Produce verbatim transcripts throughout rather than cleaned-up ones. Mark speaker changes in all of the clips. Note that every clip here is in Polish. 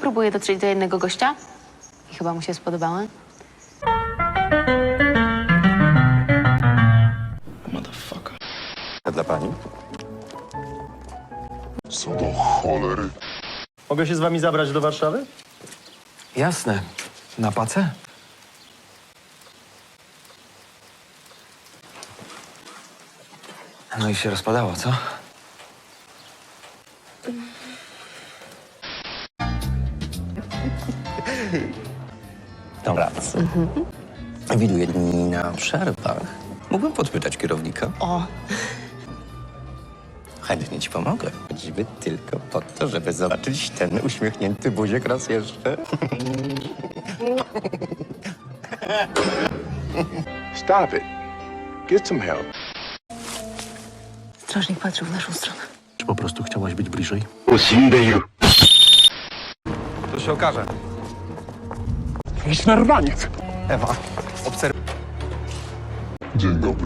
Speaker 1: próbuję dotrzeć do jednego gościa i chyba mu się spodobały.
Speaker 2: Motherfucker.
Speaker 3: A dla pani?
Speaker 4: Co do cholery?
Speaker 5: Mogę się z wami zabrać do Warszawy?
Speaker 2: Jasne. Na pacę? No i się rozpadało, co?
Speaker 3: Dobranoc. Mhm. Widuję dni na przerwach. Mógłbym podpytać kierownika?
Speaker 1: O,
Speaker 3: Chętnie ci pomogę. Choćby tylko po to, żeby zobaczyć ten uśmiechnięty buziek raz jeszcze.
Speaker 4: Stop it. Get some help.
Speaker 1: strażnik patrzył w naszą stronę.
Speaker 5: Czy po prostu chciałaś być bliżej?
Speaker 2: To się okaże.
Speaker 4: Jakiś narwaniec.
Speaker 2: Ewa, obserwuj.
Speaker 4: Dzień dobry.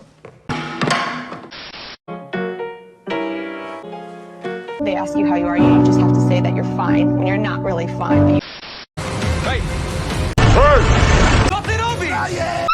Speaker 6: They ask you how you are, you just have to say that you're fine when you're not really fine. But you
Speaker 2: Hej! Co ty robisz?